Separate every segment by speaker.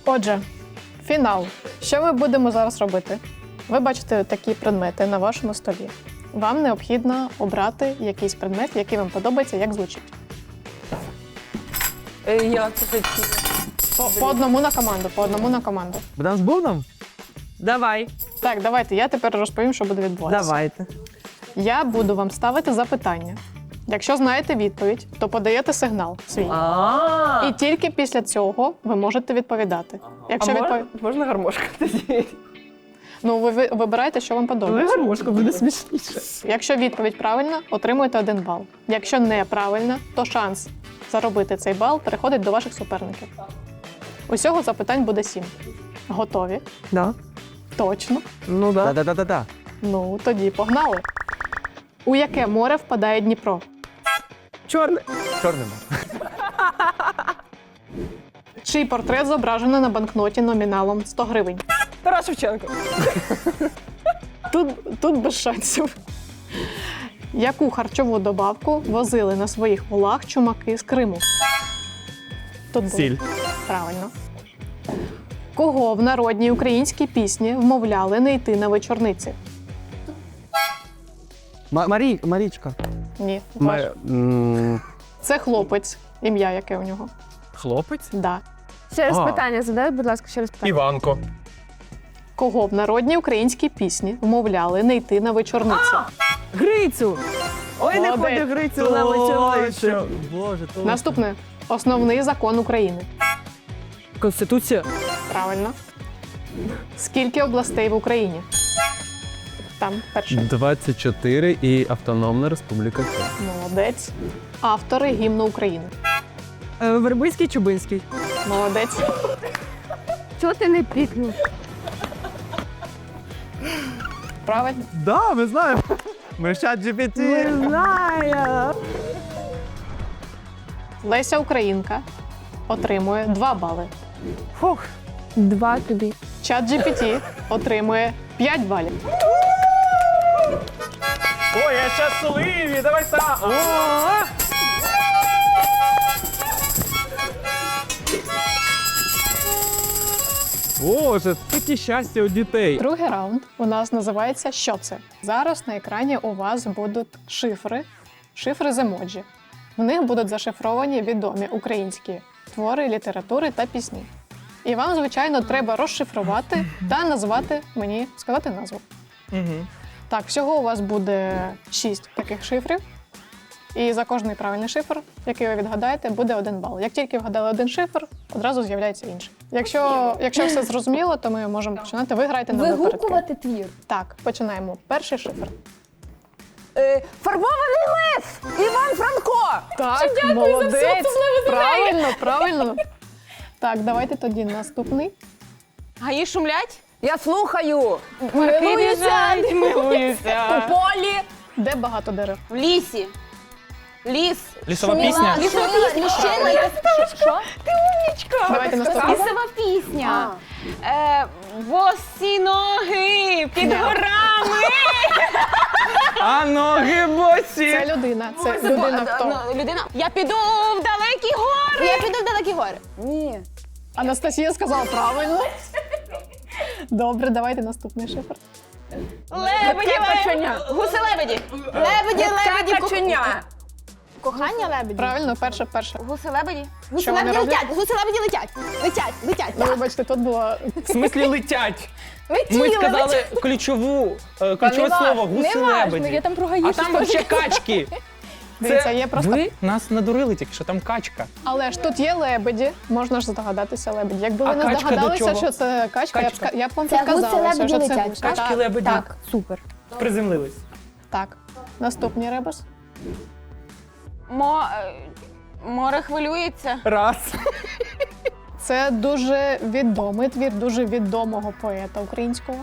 Speaker 1: Отже, фінал. Що ми будемо зараз робити? Ви бачите такі предмети на вашому столі. Вам необхідно обрати якийсь предмет, який вам подобається, як звучить.
Speaker 2: Я це хотіла.
Speaker 1: По одному на команду, по одному на команду.
Speaker 3: Будемо з бубном?
Speaker 2: Давай.
Speaker 1: Так, давайте, я тепер розповім, що буде відбуватися.
Speaker 3: Давайте.
Speaker 1: Я буду вам ставити запитання. Якщо знаєте відповідь, то подаєте сигнал свій. І тільки після цього ви можете відповідати. Якщо
Speaker 2: Можна гармошка тоді?
Speaker 1: Ну, ви вибираєте, що вам подобається.
Speaker 3: Гармошка буде смішніше.
Speaker 1: Якщо відповідь правильна, отримуєте 1 бал. Якщо неправильна, то шанс заробити цей бал переходить до ваших суперників. Усього запитань буде 7. Готові?
Speaker 3: Да.
Speaker 1: Точно?
Speaker 3: Ну да. Да-да-да-да.
Speaker 1: Ну, тоді погнали. У яке море впадає Дніпро?
Speaker 3: Чорне. Чорне.
Speaker 1: Чий портрет зображено на банкноті номіналом 100 гривень?
Speaker 2: Тарас Шевченко.
Speaker 1: Тут без шансів. Яку харчову добавку возили на своїх волах чумаки з Криму? Тут було.
Speaker 3: Сіль.
Speaker 1: Правильно. Кого в народній українській пісні вмовляли не йти на вечорниці?
Speaker 3: Марічка.
Speaker 1: Ні.
Speaker 3: М,
Speaker 1: Це хлопець. Ім'я яке у нього?
Speaker 4: Хлопець?
Speaker 1: Да.
Speaker 5: Ще раз
Speaker 3: А.
Speaker 5: питання задай, будь ласка, ще раз питання.
Speaker 4: Іванко.
Speaker 1: Кого в народній українській пісні вмовляли не йти на вечорниці?
Speaker 2: Грицю. Ой, не
Speaker 1: Молодець.
Speaker 2: ходю Грицю на вечорницю.
Speaker 3: Боже, то.
Speaker 1: Наступне. Основний закон України.
Speaker 2: Конституція.
Speaker 1: Правильно. Скільки областей в Україні? Там перше.
Speaker 4: 24 і Автономна Республіка Крим.
Speaker 1: Молодець. Автори гімну України.
Speaker 2: Вербицький, Чубинський.
Speaker 1: Молодець.
Speaker 5: Чого ти не пікнув?
Speaker 1: Правильно.
Speaker 3: Да, ми знаємо. Ми ж чат GPT.
Speaker 2: Не знаю.
Speaker 1: Леся Українка отримує 2 бали.
Speaker 2: Фух.
Speaker 5: 2 тобі.
Speaker 1: Чат GPT отримує 5 балів.
Speaker 4: Ой, я щасливий, давай так. Боже, таке щастя у дітей.
Speaker 1: Другий раунд у нас називається «Що це?». Зараз на екрані у вас будуть шифри з емоджі. В них будуть зашифровані відомі українські твори, літератури та пісні. І вам, звичайно, треба розшифрувати та назвати мені, сказати назву. Так, всього у вас буде 6 таких шифрів. І за кожний правильний шифр, який ви відгадаєте, буде 1 бал. Як тільки вгадали 1 шифр, одразу з'являється інший. Якщо все зрозуміло, то ми можемо починати. Ви граєте на випередки.
Speaker 5: Вигукувати твір.
Speaker 1: Так, починаємо. Перший шифр.
Speaker 2: Фарбований лев! Іван Франко!
Speaker 1: Так, молодець! Правильно. Так, давайте тоді наступний.
Speaker 2: Гаї шумлять? Я слухаю.
Speaker 1: Милуюся.
Speaker 2: У полі.
Speaker 1: Де багато дерев?
Speaker 2: В лісі. Ліс.
Speaker 4: Лісова пісня.
Speaker 2: Лісова пісня. Що? Ти умнічка.
Speaker 1: Давайте наступний.
Speaker 2: Лісова пісня. Босі ноги під горами.
Speaker 4: А ноги босі.
Speaker 1: Це людина. Це людина хто?
Speaker 2: Людина. Я піду в далекі гори. Я піду в далекі гори. Ні.
Speaker 1: Анастасія сказала правильно. Добре, давайте наступний шифр.
Speaker 2: Лебеді, гуси-лебеді. Лебеді, каченя. Кохання лебеді.
Speaker 1: Правильно, перше.
Speaker 2: Гуси-лебеді.
Speaker 1: Що вони
Speaker 2: Гуси-лебеді
Speaker 1: роблять?
Speaker 2: летять. Гуси-лебеді летять. Летять.
Speaker 1: Ну, вибачте, тут було...
Speaker 4: В смислі летять.
Speaker 2: Летіли.
Speaker 4: Ми сказали ключове слово гуси-лебеді.
Speaker 5: там про
Speaker 4: А там вообще качки.
Speaker 1: Дивіться, є просто...
Speaker 4: Ви нас надурили тільки, що там качка.
Speaker 1: Але ж тут є лебеді, можна ж здогадатися лебеді. Якби ви
Speaker 4: А
Speaker 1: не
Speaker 4: качка до
Speaker 1: здогадалися,
Speaker 4: чого?
Speaker 1: що це качка,
Speaker 4: Качка.
Speaker 1: я б вам
Speaker 5: Це
Speaker 1: підказала,
Speaker 5: гуси-лебеді
Speaker 1: що це
Speaker 5: летять.
Speaker 1: гусь.
Speaker 4: Качки
Speaker 1: Так,
Speaker 4: лебеді.
Speaker 5: Так, супер.
Speaker 4: Приземлились.
Speaker 1: так. Наступний ребус.
Speaker 2: Море хвилюється.
Speaker 4: Раз.
Speaker 1: Це дуже відомий твір, дуже відомого поета українського.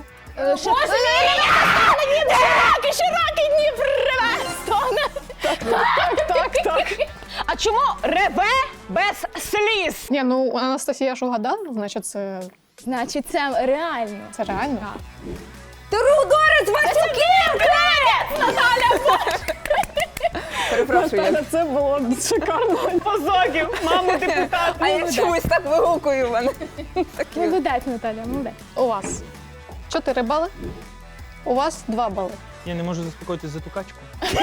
Speaker 2: Широкий Дніпр реве, стогне.
Speaker 1: Так.
Speaker 2: А чому реве без сліз?
Speaker 1: Ні, ну Анастасія ж угадала, значить
Speaker 5: Значить, це реально.
Speaker 1: це реально.
Speaker 2: Трудорець Васюків! Наталя! Перепрошую.
Speaker 1: Це було шикарно.
Speaker 2: Позоків, маму депутат. А я чомусь так вигукую в мене.
Speaker 5: Молодець, Наталя, молодець.
Speaker 1: У вас 4 бали, у вас 2 бали.
Speaker 6: Я не можу заспокоїтися за ту качку.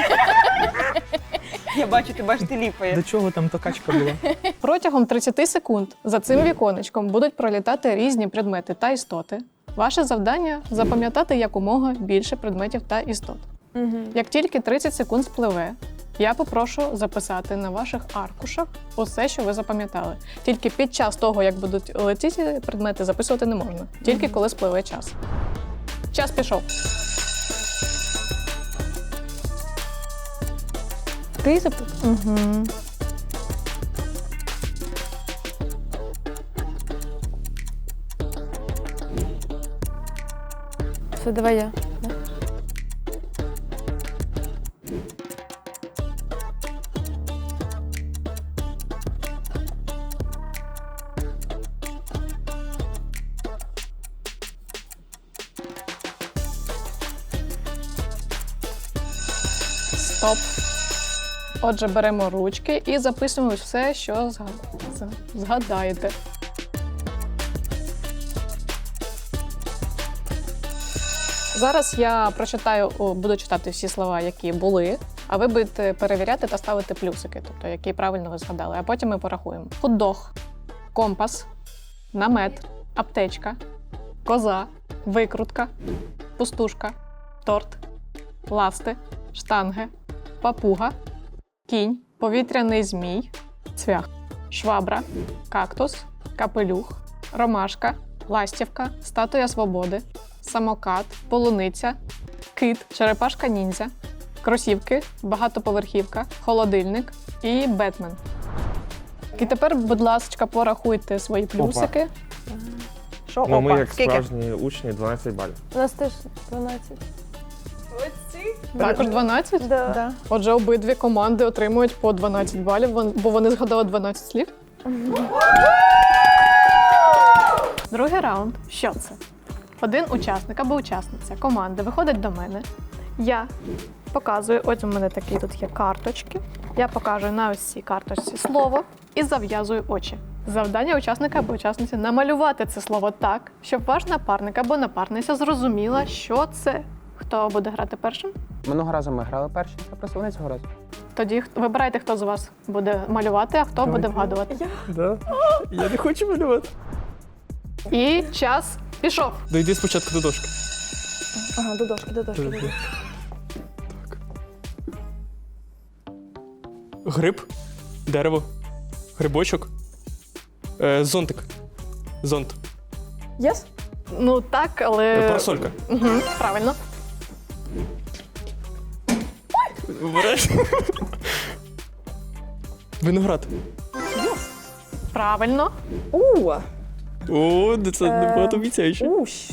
Speaker 2: Я бачу, ти бачиш, ти ліпає.
Speaker 6: До чого там та качка була?
Speaker 1: Протягом 30 секунд за цим віконечком будуть пролітати різні предмети та істоти. Ваше завдання запам'ятати якомога більше предметів та істот. Як тільки 30 секунд спливе, я попрошу записати на ваших аркушах усе, що ви запам'ятали. Тільки під час того, як будуть летіти предмети, записувати не можна. Тільки коли спливе час. Час пішов.
Speaker 5: Ти запитав?
Speaker 1: Угу.
Speaker 5: Все, давай я.
Speaker 1: Стоп. Отже, беремо ручки і записуємо все, що згадаєте. Зараз я буду читати всі слова, які були, а ви будете перевіряти та ставити плюсики, тобто які правильно ви згадали, а потім ми порахуємо. Хот-дог, компас, намет, аптечка, коза, викрутка, пустушка, торт, ласти, штанги, папуга, кінь, повітряний змій, цвях, швабра, кактус, капелюх, ромашка, ластівка, статуя свободи, самокат, полуниця, кит, черепашка ніндзя, кросівки, багатоповерхівка, холодильник і Бетмен. І тепер, будь ласка, порахуйте свої плюсики.
Speaker 2: Що,
Speaker 7: Ну, ми
Speaker 2: опа,
Speaker 7: як
Speaker 2: скільки?
Speaker 7: справжні учні 12 балів.
Speaker 5: У нас теж 12.
Speaker 1: Також 12?
Speaker 5: Да.
Speaker 1: Отже, обидві команди отримують по 12 балів, бо вони згадали 12 слів. Другий раунд. Що це? Один учасник або учасниця команди виходить до мене. Я показую, ось у мене такі тут є карточки. Я показую на ось цій карточці слово і зав'язую очі. Завдання учасника або учасниці намалювати це слово так, щоб ваш напарник або напарниця зрозуміла, що це. Хто буде грати першим?
Speaker 3: Минулого разу ми грали перші, а просто вони цього разу.
Speaker 1: Тоді вибирайте, хто з вас буде малювати, а хто буде вгадувати.
Speaker 6: Да. Я не хочу малювати.
Speaker 1: І час пішов.
Speaker 6: Дойди спочатку до дошки.
Speaker 5: Ага, до дошки.
Speaker 6: Так. Гриб, дерево, грибочок, зонтик. Зонт.
Speaker 5: Єс?
Speaker 1: Ну так, але.
Speaker 6: Парасолька.
Speaker 1: Угу, правильно.
Speaker 6: Береш. Виноград.
Speaker 1: Правильно.
Speaker 6: О, це небагато обіцяюче.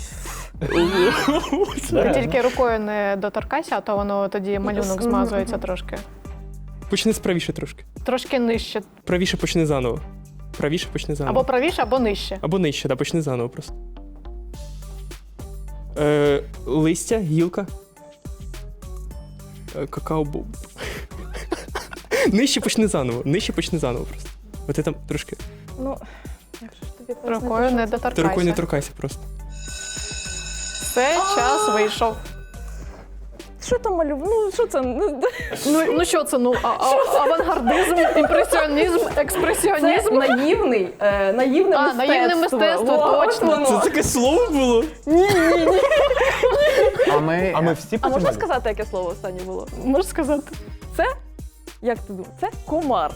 Speaker 1: Ти тільки рукою не доторкайся, а то воно тоді малюнок змазується трошки.
Speaker 6: Почни справіше трошки.
Speaker 1: Трошки нижче.
Speaker 6: Правіше почни заново. Правіше почни заново.
Speaker 1: Або правіше, або нижче.
Speaker 6: Або нижче, да, почни заново просто. Листя, гілка. Какао-боб. Нижче почни заново. Нижче почни заново просто. От ти там трошки.
Speaker 5: Ну, як же ж тобі
Speaker 1: Рукою не
Speaker 6: Ти рукою не
Speaker 1: доторкайся.
Speaker 6: торкайся просто.
Speaker 1: Все, час вийшов.
Speaker 5: Що там малюв? Ну, що це?
Speaker 1: Ну що це? Авангардизм, імпресіонізм, експресіонізм.
Speaker 2: наївне
Speaker 1: Наївне мистецтво, точно.
Speaker 6: Це таке слово було?
Speaker 3: А ми всі
Speaker 2: А можна сказати, яке слово останнє було?
Speaker 1: Можеш сказати?
Speaker 2: Як ти думаєш? Це комар.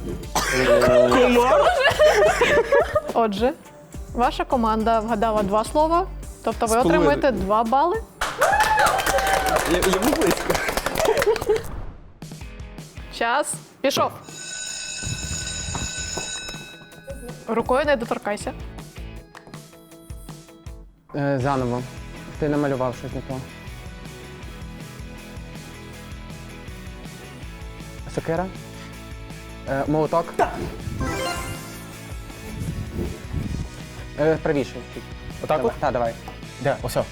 Speaker 1: Отже, ваша команда вгадала 2 слова, тобто ви
Speaker 6: З половиною.
Speaker 1: отримуєте 2 бали.
Speaker 6: Я був близько.
Speaker 1: Час пішов. Рукою не доторкайся.
Speaker 3: Заново. Ти намалював щось не то. Сокира? Молоток? Так. Правіше.
Speaker 7: Отак от?
Speaker 3: Так, давай.
Speaker 7: Де? Осьо.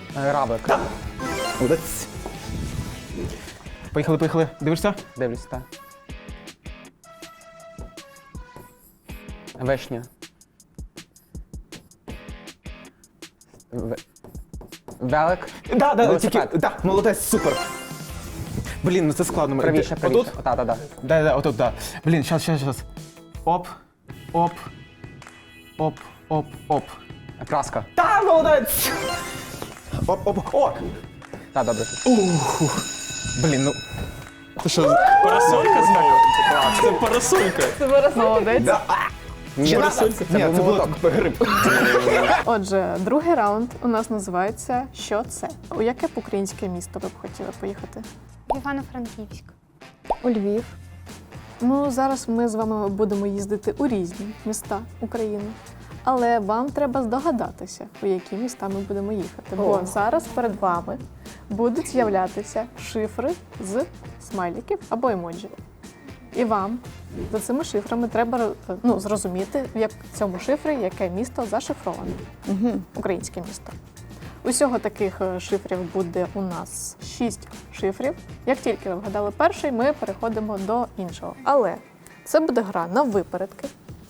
Speaker 3: Равлик.
Speaker 7: Молодець. Поїхали. Дивишся?
Speaker 3: Дивлюсь, так. Вишня. Велик.
Speaker 7: Да,
Speaker 3: Велосипед.
Speaker 7: тільки, да, молодець, супер. Блін, ну це складно.
Speaker 3: Правіше.
Speaker 7: Отут?
Speaker 3: Так.
Speaker 7: Да, отут, да. Блін, щас. Оп.
Speaker 3: Праска.
Speaker 7: Та, молодець! Оп. О!
Speaker 3: Так, добре.
Speaker 7: Блін, ну.
Speaker 6: Це що, парасолька знову? Це парасолька.
Speaker 1: Молодець.
Speaker 3: Ні,
Speaker 7: Парасолька? Ні, це
Speaker 3: був
Speaker 7: було
Speaker 3: молоток.
Speaker 7: гриб.
Speaker 1: Отже, другий раунд у нас називається «Що це?». У яке б українське місто ви б хотіли поїхати?
Speaker 2: Івано-Франківськ.
Speaker 5: У Львів.
Speaker 1: Ну, зараз ми з вами будемо їздити у різні міста України. Але вам треба здогадатися, у які міста ми будемо їхати. Бо зараз перед вами будуть з'являтися шифри з смайликів або емоджі. І вам за цими шифрами треба зрозуміти, в цьому шифрі яке місто зашифроване. Українське місто. Усього таких шифрів буде у нас 6 шифрів. Як тільки ви вгадали перший, ми переходимо до іншого. Але це буде гра на випередки.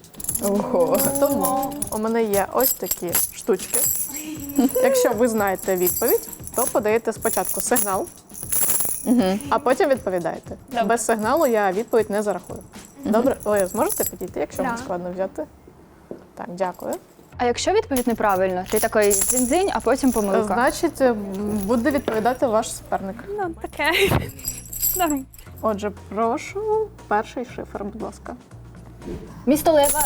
Speaker 1: Тому у мене є ось такі штучки. Якщо ви знаєте відповідь, то подаєте спочатку сигнал, а потім відповідаєте. Без сигналу я відповідь не зарахую. Добре? Ви зможете підійти, якщо вам складно взяти? Так, дякую.
Speaker 2: А якщо відповідь неправильно, ти такий дзинь-дзинь, а потім помилка.
Speaker 1: Значить, буде відповідати ваш суперник.
Speaker 2: Ну, таке. Норм.
Speaker 1: Отже, прошу перший шифр, будь ласка.
Speaker 2: Місто Лева.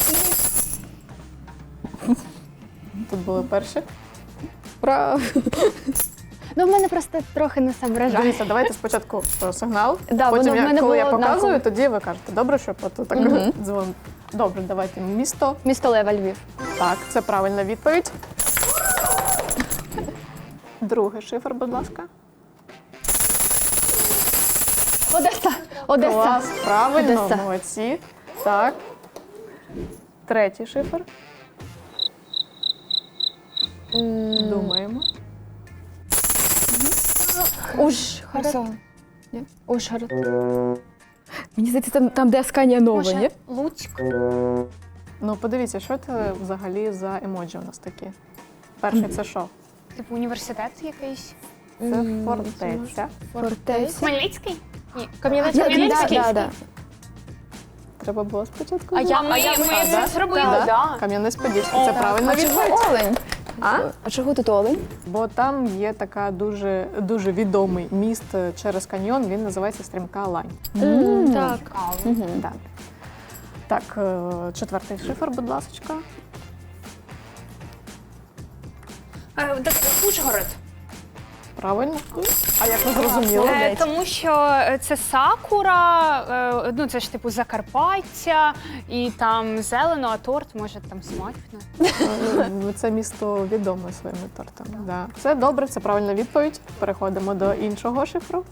Speaker 1: Тут були перші.
Speaker 2: Ну, в мене просто трохи не соображає.
Speaker 1: Дивіться, давайте спочатку сигнал,
Speaker 2: Да,
Speaker 1: потім,
Speaker 2: воно в мене
Speaker 1: коли я
Speaker 2: було
Speaker 1: показую,
Speaker 2: однаково.
Speaker 1: тоді ви кажете. Добре, що тут так дзвон. Добре, давайте. Місто.
Speaker 2: Місто Лева, Львів.
Speaker 1: Так, це правильна відповідь. Другий шифр, будь ласка.
Speaker 2: Одеса.
Speaker 1: Клас, правильно,
Speaker 2: Одеса.
Speaker 1: молодці. Так. Третій шифр. Думаємо.
Speaker 2: Ужгород. Ні? Ужгород. Мені здається, там де Асканія нова, ні?
Speaker 8: Луцьк.
Speaker 1: Ну, подивіться, що це взагалі за емоджі у нас такі. Перший це що?
Speaker 8: Типу університет якийсь.
Speaker 1: Це фортеця.
Speaker 2: Фортеця.
Speaker 8: Хмельницький? Ні.
Speaker 2: Кам'янець-Подільський.
Speaker 1: Треба було спочатку.
Speaker 8: Ми це зробили, так.
Speaker 1: Кам'янець-Подільський. Це правильна відповідь.
Speaker 2: Олень? А чого тут олень?
Speaker 1: Бо там є така дуже відомий міст через каньйон, він називається Стрімка Лань.
Speaker 2: Так.
Speaker 1: Да. Так, четвертий шифр, будь ласка.
Speaker 8: Ужгород.
Speaker 1: Правильно. А як ви зрозуміли?
Speaker 8: Тому що це сакура, ну це ж типу Закарпаття, і там зелено, а торт може там смачно.
Speaker 1: Це місто відоме своїми тортами. Да. Це добре, це правильна відповідь. Переходимо до іншого шифру.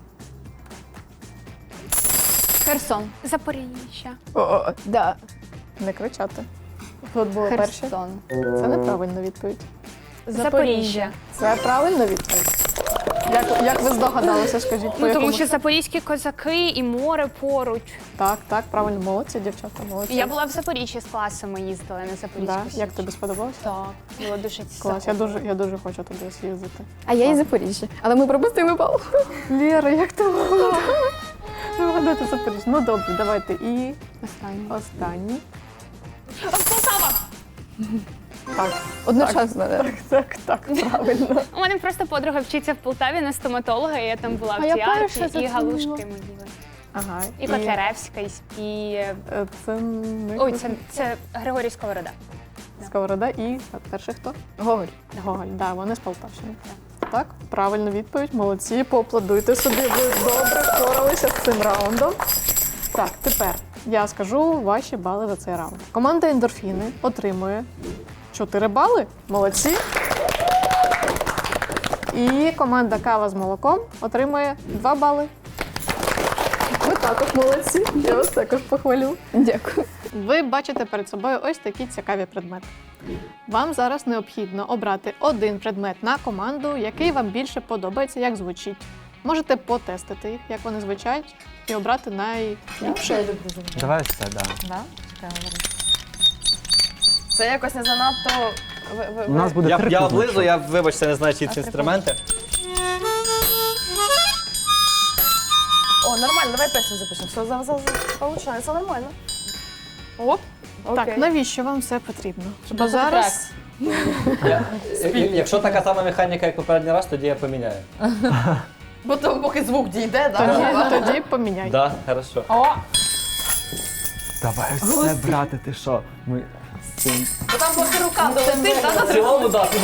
Speaker 2: Херсон.
Speaker 8: Запоріжжя.
Speaker 2: Да.
Speaker 1: Не кричати. Тут були перші.
Speaker 2: Херсон.
Speaker 1: Це неправильна відповідь.
Speaker 8: Запоріжжя.
Speaker 1: Це правильна відповідь. Як ви здогадалися, скажіть, по
Speaker 8: Ну,
Speaker 1: якому?
Speaker 8: тому що запорізькі козаки і море поруч.
Speaker 1: Так, правильно, молодці, дівчата, молодці.
Speaker 8: Я була в Запоріжжі з класом, ми їздили на
Speaker 1: Да?
Speaker 8: Запорізьку.
Speaker 1: Як тобі сподобалося?
Speaker 8: Так, було дуже
Speaker 1: Клас, я дуже хочу туди з'їздити.
Speaker 2: А я із Запоріжжя. Але ми пропустили бал.
Speaker 1: Лєра, як ти могла? Вигадати Запоріжжя. Ну добре, давайте. І останній.
Speaker 8: Полтава!
Speaker 1: Так,
Speaker 2: Одночасно.
Speaker 1: так, правильно.
Speaker 8: У мене просто подруга вчиться в Полтаві на стоматолога, і я там була в
Speaker 2: А я
Speaker 8: театрі,
Speaker 2: перша
Speaker 8: і
Speaker 2: зацінила.
Speaker 8: галушки ми їли.
Speaker 1: Ага.
Speaker 8: І Котляревська, і...
Speaker 1: Це не
Speaker 8: Ой, це Григорій Сковорода.
Speaker 1: Сковорода і перший хто?
Speaker 2: Гоголь.
Speaker 1: Гоголь, да, вони з Полтавщини. Так, правильна відповідь, молодці, поаплодуйте собі, ви добре впоралися з цим раундом. Так, тепер я скажу ваші бали за цей раунд. Команда «Ендорфіни» отримує 4 бали, молодці. І команда «Кава з молоком» отримує 2 бали. також молодці. Я вас також похвалю.
Speaker 2: Дякую.
Speaker 1: Ви бачите перед собою ось такі цікаві предмети. Вам зараз необхідно обрати один предмет на команду, який вам більше подобається, як звучить. Можете потестити їх, як вони звучать, і обрати найліпше.
Speaker 3: Давай все, да.
Speaker 5: Це якось не занадто.
Speaker 3: У нас буде три
Speaker 6: Я
Speaker 3: кубики.
Speaker 6: облизу, я, вибачте, не знаю, чи ці інструменти.
Speaker 5: О, нормально, давай песню запишемо. Все получається нормально.
Speaker 1: Оп. Так,
Speaker 5: Окей.
Speaker 1: навіщо вам це потрібно? Бо зараз
Speaker 6: Якщо така сама механіка, як попередній раз, тоді я поміняю.
Speaker 5: Бо то поки звук дійде,
Speaker 1: тоді поміняйте.
Speaker 6: Да, хорошо.
Speaker 3: Давай все, брате, ти що? Ми з цим...
Speaker 5: Бо там поки рука долетить,
Speaker 6: В цілому, да, тоді.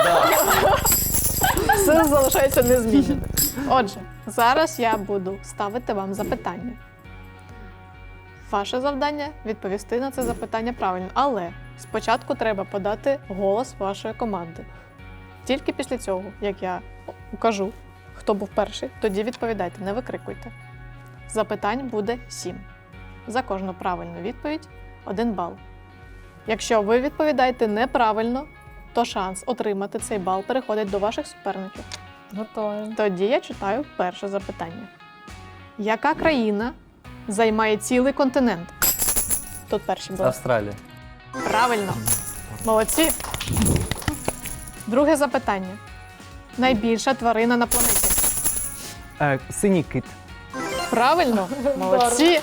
Speaker 1: Все залишається незмінним. Отже, зараз я буду ставити вам запитання. Ваше завдання відповісти на це запитання правильно, але спочатку треба подати голос вашої команди. Тільки після цього, як я кажу, хто був перший, тоді відповідайте, не викрикуйте. Запитань буде 7. За кожну правильну відповідь 1 бал. Якщо ви відповідаєте неправильно, то шанс отримати цей бал переходить до ваших суперників.
Speaker 2: Готові.
Speaker 1: Тоді я читаю перше запитання. Яка країна займає цілий континент? Тут перші були.
Speaker 6: Австралія.
Speaker 1: Правильно. Молодці. Друге запитання. Найбільша тварина на планеті.
Speaker 3: Синій кит.
Speaker 1: Правильно. Молодці.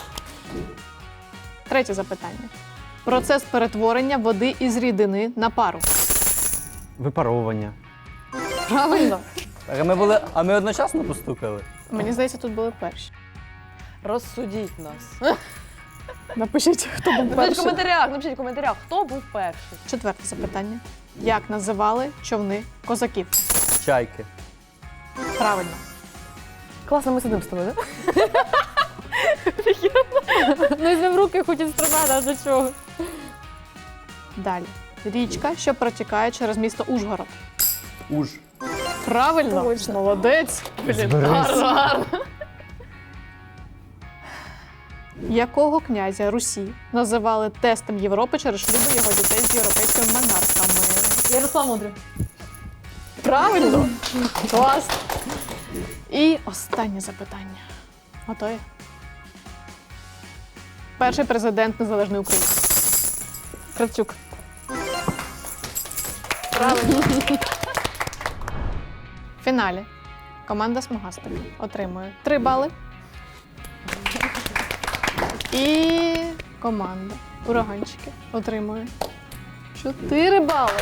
Speaker 1: Третє запитання. Процес перетворення води із рідини на пару.
Speaker 3: Випаровування.
Speaker 1: Правильно.
Speaker 6: А ми одночасно постукали?
Speaker 1: Мені здається, тут були перші.
Speaker 5: Розсудіть нас.
Speaker 1: Напишіть, хто був перший.
Speaker 5: Напишіть в коментарях, хто був перший.
Speaker 1: Четверте запитання. Як називали човни козаків?
Speaker 6: Чайки.
Speaker 1: Правильно.
Speaker 5: Класно, ми сидимо з тобою, так?
Speaker 2: Ну, візьмемо в руки хоч інструмент, а до чого?
Speaker 1: Далі. Річка, що протікає через місто Ужгород.
Speaker 6: Уж.
Speaker 1: Правильно. Молодець. Гарно. Якого князя Русі називали тестом Європи через шлюби його дітей з європейськими монархами?
Speaker 2: Ярослав Мудрий.
Speaker 1: Правильно. Клас. І останнє запитання. Готові? Перший президент Незалежної України.
Speaker 2: Кравчук.
Speaker 1: Правильно. В фіналі команда Смугастик отримує 3 бали. І команда Ураганчики отримує 4 бали.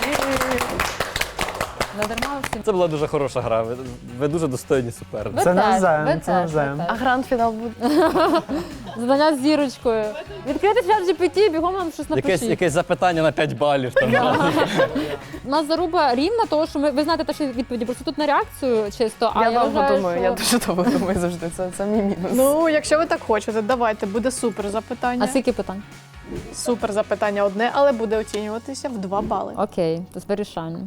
Speaker 2: Надарма всім.
Speaker 6: Це була дуже хороша гра. Ви дуже достойні суперники.
Speaker 3: Це навзаєм, це навзаєм.
Speaker 5: А гранд-фінал буде.
Speaker 2: Задання з зірочкою. Відкрити чат GPT, бігом нам щось напишіть.
Speaker 6: Якесь запитання на 5 балів. Там.
Speaker 2: У нас заруба рівна, того, що ви знаєте те, що відповіді, просто тут на реакцію чисто, а я вважаю, що...
Speaker 5: дуже довго думаю завжди, це мій мінус.
Speaker 1: Ну, якщо ви так хочете, давайте, буде супер запитання.
Speaker 2: А скільки питань?
Speaker 1: Супер запитання одне, але буде оцінюватися в 2 бали.
Speaker 2: Окей, то вирішальне.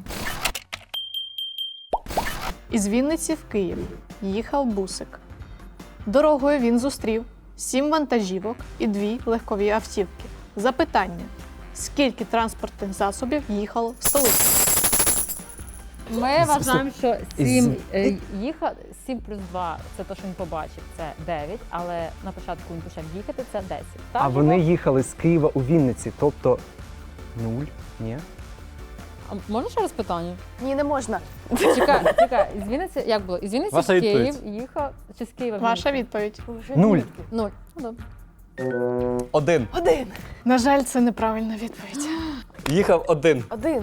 Speaker 1: Із Вінниці в Київ їхав бусик. Дорогою він зустрів 7 вантажівок і 2 легкові автівки. Запитання: скільки транспортних засобів їхало в столицю?
Speaker 2: Ми вважаємо, що 7 плюс 2 – це те, що він побачив, це 9, але на початку він почав їхати, це 10. Так,
Speaker 3: А вони
Speaker 2: Єгор?
Speaker 3: їхали з Києва у Вінниці, тобто 0? Ні?
Speaker 2: А можна ще раз питання?
Speaker 5: Ні, не можна.
Speaker 2: Чекай, із Вінниці, як було? Із Вінниці
Speaker 6: Ваша
Speaker 2: в Київ
Speaker 6: відповідь.
Speaker 2: їхав, чи з Києва в
Speaker 1: Ваша
Speaker 2: Вінницю?
Speaker 1: відповідь.
Speaker 3: 0.
Speaker 2: 0. Ну, добре.
Speaker 6: 1.
Speaker 1: На жаль, це неправильна відповідь.
Speaker 6: Їхав 1.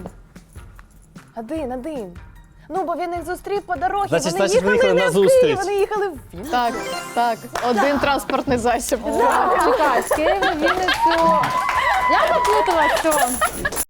Speaker 5: Один. Ну, бо він їх зустрів по дорозі.
Speaker 6: Значить,
Speaker 5: Вони
Speaker 6: значить, ви
Speaker 5: їхали
Speaker 6: їхали
Speaker 5: не
Speaker 6: на
Speaker 5: в Київ,
Speaker 6: зустріч.
Speaker 5: вони їхали в Вінницю.
Speaker 1: Так, один транспортний засіб.
Speaker 2: Чекай, з Києва в Вінницю. Я поплутала все.